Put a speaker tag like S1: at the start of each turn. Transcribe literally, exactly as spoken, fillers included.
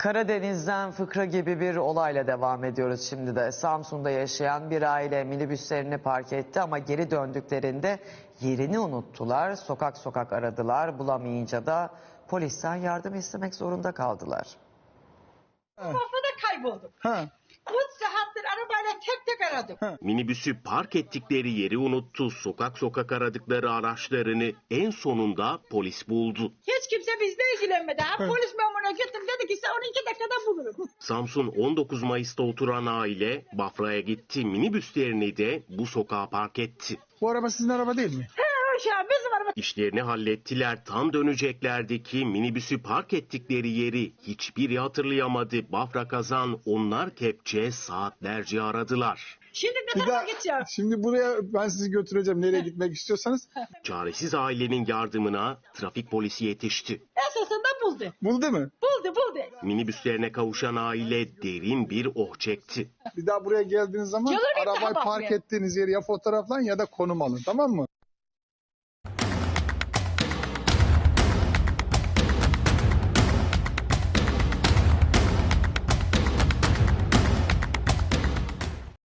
S1: Karadeniz'den fıkra gibi bir olayla devam ediyoruz şimdi de. Samsun'da yaşayan bir aile minibüslerini park etti ama geri döndüklerinde yerini unuttular. Sokak sokak aradılar, bulamayınca da polisten yardım istemek zorunda kaldılar.
S2: Kafada kayboldum.
S3: Ha.
S2: üç saattir arabayla tek tek aradım.
S4: Minibüsü park ettikleri yeri unuttu. Sokak sokak aradıkları araçlarını en sonunda polis buldu.
S2: Hiç kimse bizle ilgilenmedi. Ha, polis memuruna gittim, dedi ki sen on iki dakikada bulurum.
S4: Samsun on dokuz Mayıs'ta oturan aile Bafra'ya gitti. Minibüslerini de bu sokağa park etti.
S3: Bu araba sizin araba değil mi?
S2: He uşağım, bizim araba.
S4: İşlerini hallettiler. Tam döneceklerdi ki minibüsü park ettikleri yeri hiçbiri hatırlayamadı. Bafra kazan onlar kepçe saatlerce aradılar.
S2: Şimdi ne
S3: Bir
S2: tarafa
S3: daha,
S2: gideceğim?
S3: şimdi buraya ben sizi götüreceğim nereye gitmek istiyorsanız.
S4: Çaresiz ailenin yardımına trafik polisi yetişti.
S2: Esasında buldu.
S3: Buldu mu?
S2: Buldu buldu.
S4: Minibüslerine kavuşan aile derin bir oh çekti.
S3: Bir daha buraya geldiğiniz zaman
S2: Gelir miyim
S3: arabayı
S2: daha
S3: park
S2: bakmaya?
S3: ettiğiniz yeri ya fotoğraflayın ya da konum alın, tamam mı?